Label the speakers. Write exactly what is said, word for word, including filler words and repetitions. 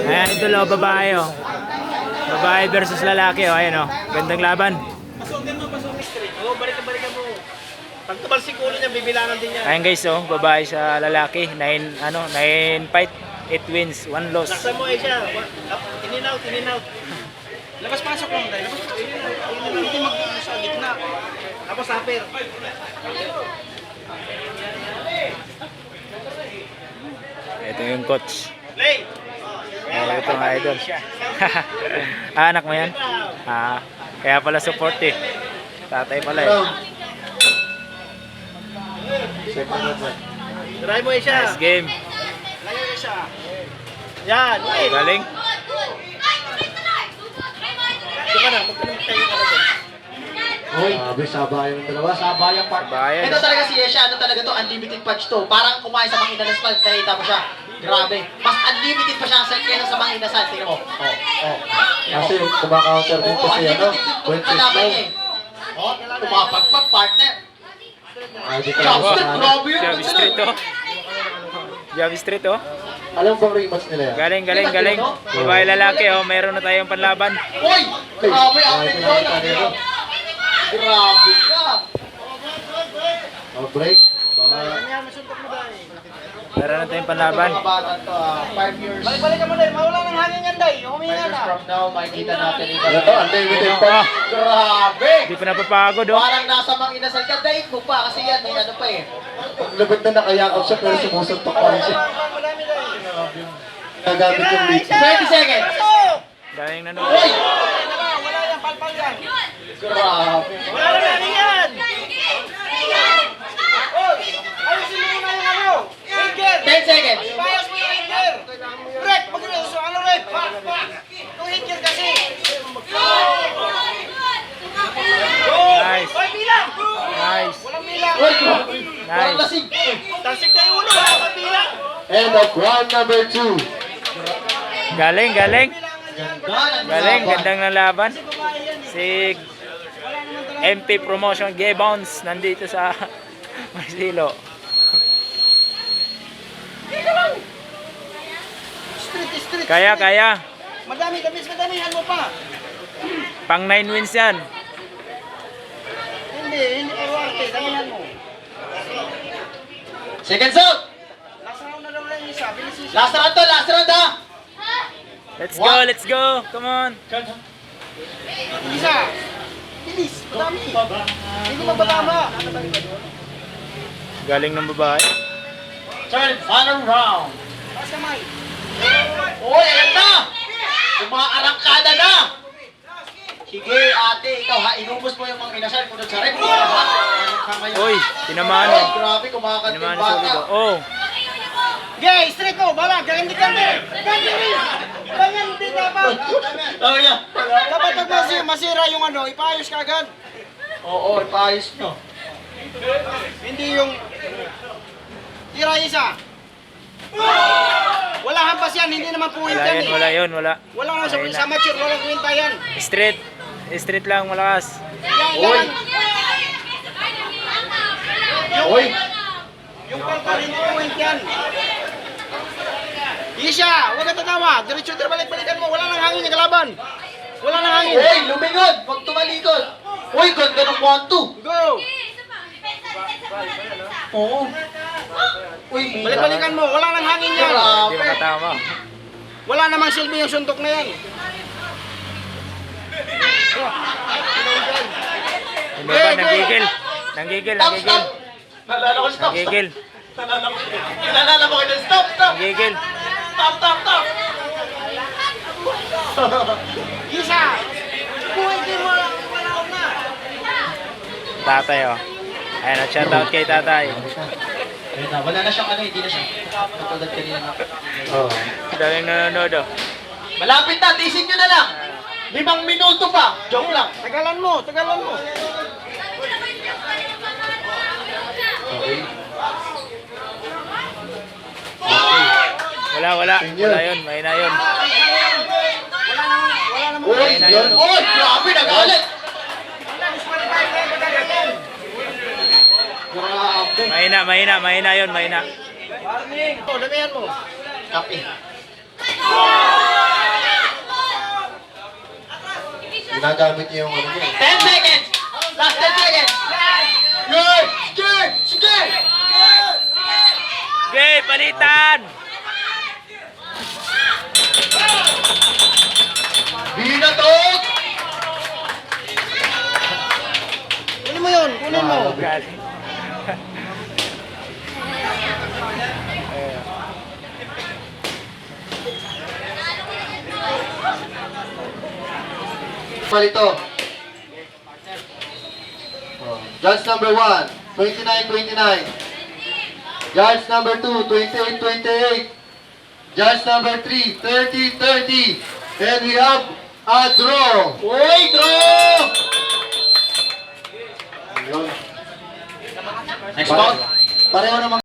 Speaker 1: Ayan, ito lo, babae oh. Babae versus lalaki oh. Ayan oh. Gandang laban.
Speaker 2: Pasukin mo, pasukin straight. Oo, balik-balikan mo. Pag tumalsik ulo niya, bibilangan din niya.
Speaker 1: Ayan guys oh, babae sa lalaki. nine ano, nine fight, eight wins, one loss.
Speaker 2: Laksan mo eh siya. In and out, in and out. Labas-pasok lang tayo. Labas-pasok. In and out, in and out. Hindi mag-ano sa gitna. Tapos upper.
Speaker 1: Ito yung coach.
Speaker 2: Play!
Speaker 1: Oh, ito nga idol. Ah, anak mo yan? Ah, kaya pala support eh. Tatay pala eh.
Speaker 2: Try mo eh siya.
Speaker 1: Nice game.
Speaker 2: Layo eh siya. Yan, wait.
Speaker 1: Galing.
Speaker 2: Ito ka na, magtanong tayo ka na doon.
Speaker 3: Hoy, sabi, sabayan ng dalawa. Sabayang part.
Speaker 1: Bayan.
Speaker 3: Ito talaga si Yesha, ano talaga to, unlimited punch to. Parang kumain sa mga inasal, nakita mo siya. Grabe. Mas unlimited pa siya sa kaysa sa mga inasal. Tingnan mo. Oh, oh.
Speaker 4: Kasi kumaka-counter din
Speaker 3: Oo,
Speaker 4: kasi ano,
Speaker 3: unlimited to
Speaker 4: when she's
Speaker 3: kalaban
Speaker 4: low.
Speaker 3: niya eh. Oh, tumapagpag partner.
Speaker 4: Ay, di ka
Speaker 3: Jab
Speaker 4: lang
Speaker 3: straight,
Speaker 4: sa ano.
Speaker 3: grabe yun.
Speaker 1: Javi Street oh. Javi Street oh.
Speaker 4: Alam bang rematch nila yan?
Speaker 1: Galing, galing, galing. Babae lalaki oh, mayroon na tayong panlaban.
Speaker 3: Hoy! Grabe,
Speaker 4: Ay,
Speaker 3: outfit ko.
Speaker 4: pinakita nila.
Speaker 3: Grabe ka.
Speaker 4: Oh, break. Baka
Speaker 2: Yan, masuntok mo dahil.
Speaker 1: Mayroon na tayong panlaban.
Speaker 3: Mga bata to, ah, five years.
Speaker 2: Balik-balikan mo dahil. Mawala ng hangin yan dahil.
Speaker 3: Five
Speaker 2: Huminga
Speaker 3: years
Speaker 2: na.
Speaker 3: from now, makikita natin ito.
Speaker 4: ano to, unlimited punch.
Speaker 3: Grabe!
Speaker 1: Hindi pa napapagod oh.
Speaker 3: Parang nasa mga inasal ka, daig mo pa kasi yan, may ano pa eh.
Speaker 4: Ang labot na nakayakap siya pero sumusuntok pa rin siya.
Speaker 2: Madami dahil.
Speaker 4: Nagamit yung lead.
Speaker 3: twenty seconds!
Speaker 2: Pasok!
Speaker 1: Galing na no.
Speaker 3: Hoy!
Speaker 2: Wala, wala yan. Palpal yan.
Speaker 3: Grabe!
Speaker 2: Wala na hangin yan. Hoy! Ayusin mo muna yung ano. Finger!
Speaker 3: ten seconds!
Speaker 2: Bias mo yung finger! Rep! Pag so, ano rep? Yung finger kasi!
Speaker 1: Nice.
Speaker 2: Hoy, bilang!
Speaker 1: Nice.
Speaker 2: Walang bilang!
Speaker 3: Hoy, grabe! Parang
Speaker 1: Nice.
Speaker 3: lasing!
Speaker 2: Tansik na yung ulo, wala kang bilang!
Speaker 4: End of round number two.
Speaker 1: Galing, galing.
Speaker 3: Ganda! ng
Speaker 1: Galing,
Speaker 3: laban.
Speaker 1: gandang na laban. Si M P Promotion G-Bounce nandito sa Marsilo.
Speaker 2: Street, street!
Speaker 1: Kaya, kaya.
Speaker 2: Madami, damis, madamihan mo pa!
Speaker 1: Pang nine wins yan.
Speaker 2: Hindi, hindi pa warte, damihan mo.
Speaker 3: Seconds out!
Speaker 2: Last round na daw lang yung isa, bilis yung isa.
Speaker 3: Last round to, last round ha!
Speaker 1: Let's go, let's go. Come on.
Speaker 2: Isa! Bilis, madami! Hindi mabatama!
Speaker 1: Galing ng babae.
Speaker 3: Turn, final round!
Speaker 2: Taas kamay!
Speaker 3: Uy, ayan na! Umaarangkada na! Sige, ate, ikaw ha, inubos mo yung mga inasal kung sa rep.
Speaker 1: Uy, tinamaan
Speaker 3: Ay,
Speaker 1: oh.
Speaker 3: grabe, kumakanta
Speaker 1: Tinamaan
Speaker 3: yung
Speaker 1: sa ulo.
Speaker 3: bata.
Speaker 1: Oh.
Speaker 2: Okay, straight ko, bala, ganyan ka din! Ganyan din! Ganyan din dapat!
Speaker 3: Oh, yeah.
Speaker 2: Dapat pag masi- masira yung ano, ipaayos ka agad.
Speaker 3: Oo, ipaayos nyo.
Speaker 2: Hindi yung... Tira isa! Wala hampas yan, hindi naman puwit
Speaker 1: Wala
Speaker 2: yan
Speaker 1: yan,
Speaker 2: eh.
Speaker 1: wala yun, wala.
Speaker 2: Wala nga sa,
Speaker 1: Ayun
Speaker 2: sa
Speaker 1: na.
Speaker 2: mature, walang kwenta yan.
Speaker 1: Straight. Straight lang, malakas.
Speaker 2: Yan,
Speaker 3: Uy!
Speaker 2: yan. Yung,
Speaker 3: Uy!
Speaker 2: yung palpal, hindi puwit yan. Isha, huwag ka tatawa. Diretso din balik-balikan mo. Wala nang hangin yung kalaban. Wala nang hangin.
Speaker 3: Uy, lumingon! Huwag tumalikod! Uy, ganda ng one two!
Speaker 2: Go!
Speaker 3: Oo. Uy,
Speaker 2: Balik-balikan mo. Wala nang hangin yan.
Speaker 1: Hindi
Speaker 3: grabe!
Speaker 1: makatama.
Speaker 2: Wala namang silbi yung suntok na yan.
Speaker 1: Hindi ba, nanggigil. Nanggigil,
Speaker 3: Stop,
Speaker 1: nanggigil.
Speaker 3: stop! Nalala ko, stop, stop!
Speaker 1: Nanggigil.
Speaker 3: Nalala ko, nalala mo kayo, stop, stop!
Speaker 1: Nanggigil.
Speaker 3: Stop, stop, stop!
Speaker 2: Isa! Pwede mo lang. Wala ko na.
Speaker 1: Tatay oh. Ayan, at shoutout kay tatay.
Speaker 3: Ayun na, wala na siyang ano, hindi na siya. Katulad kanina na.
Speaker 4: Oh.
Speaker 1: Daming nanonood oh.
Speaker 3: Malapit na, tisin nyo na lang! Limang minuto pa! Joke lang!
Speaker 2: Tagalan mo. Tagalan mo.
Speaker 4: Okay.
Speaker 1: Wala, wala. Wala yun, mahina yun.
Speaker 2: Wala namang... Wala namang...
Speaker 3: Uy!
Speaker 1: Ayun na yun.
Speaker 3: Uy! Grabe, nagalit! Grabe!
Speaker 1: Mahina, mahina, mahina yun, mahina.
Speaker 2: Warning. Oh, damihan mo.
Speaker 3: Copy.
Speaker 4: Ginagamit niya yung ano niya.
Speaker 3: ten seconds! Last ten seconds! Good! Sige! Sige!
Speaker 1: Okay, palitan!
Speaker 3: Binatot!
Speaker 2: Kunin mo yun, kunin mo.
Speaker 1: Galing.
Speaker 4: Palito. Oh. Yards number one, twenty-nine twenty-nine. Yards number two, twenty-eight twenty-eight. Yards number three, thirty thirty. And we have a draw.
Speaker 3: Uy, draw!
Speaker 4: Ayun.
Speaker 3: Next ball.
Speaker 4: Pareho naman